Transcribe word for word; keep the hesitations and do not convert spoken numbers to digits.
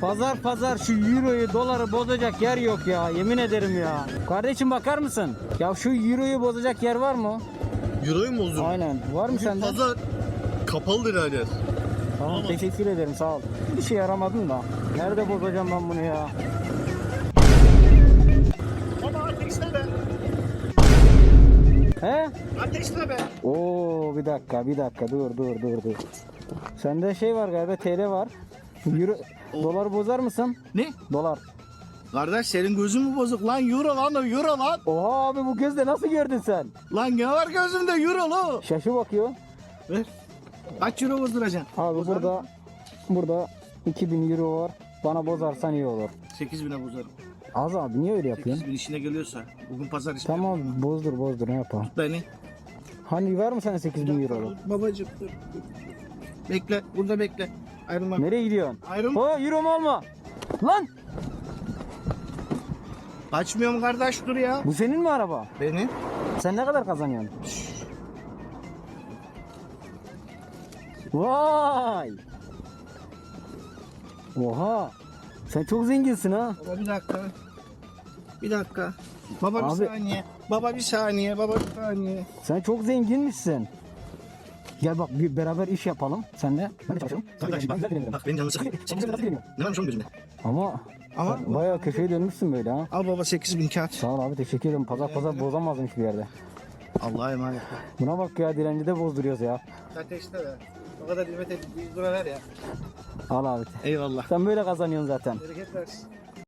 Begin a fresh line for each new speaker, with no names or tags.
Pazar pazar şu euroyu doları bozacak yer yok ya, yemin ederim ya. Kardeşim bakar mısın? Ya şu euroyu bozacak yer var mı?
Euroyu mu bozdun?
Aynen. Var mı
Bugün
sende?
pazar kapalıdır her yer.
Tamam, teşekkür ederim, sağ ol. Bir şey yaramadın da. Nerede bozacağım ben bunu ya?
Baba ateşle be.
He?
Ateşle be.
Oo, bir dakika bir dakika dur dur dur dur. Sende şey var galiba, T L var. Euro, dolar bozar mısın?
Ne?
Dolar.
Kardeş senin gözün mü bozuk lan? Euro lan o euro lan.
Oha abi, bu gözle nasıl gördün sen?
Lan ne var gözümde euro lo.
Şaşı bakıyor.
Ver. Kaç euro bozduracaksın?
Abi
Bozar
burada
mı?
burada iki bin euro var. Bana bozarsan iyi olur.
sekiz bine bozarım.
Az abi, niye öyle yapıyorsun?
sekiz bin işine geliyorsa. Bugün pazar işine.
Tamam, bozdur bozdur, ne yapalım.
Beni.
Hani var mı sana sekiz bin euro?
Babacım dur. Bekle. Burada bekle. Ayrılma.
Nereye gidiyorsun?
Ayrılma.
O euro mu olma? Lan
Kaçmıyorum kardeş dur ya.
bu senin mi araba?
Benim.
Sen ne kadar kazanıyorsun? Vay! Oha! Sen çok zenginsin ha.
Baba bir dakika. Bir dakika. Baba
Abi-
bir saniye. Baba bir saniye. Baba bir saniye.
Sen çok zenginmişsin. Gel bak, bir beraber iş yapalım senle. Ben de çalışırım.
Kardeş bak.
Ben de
Bak benim canımı sıkıyor.
Sen bize nasıl geliyor?
Ne varmış oğlum gözünde?
Ama
Ama
bayağı köşeye dönmüşsün böyle ha.
al baba sekiz bin kağıt.
Sağ ol abi, teşekkür ederim. Pazar pazar bozamazdım hiçbir yerde.
Allah'a emanet.
Buna bak ya, dilenci de bozduruyoruz ya.
Ateşte be. O kadar hizmet edip yüz lira ver ya.
Al abi.
Eyvallah.
Sen böyle kazanıyorsun zaten.
Bereket versin.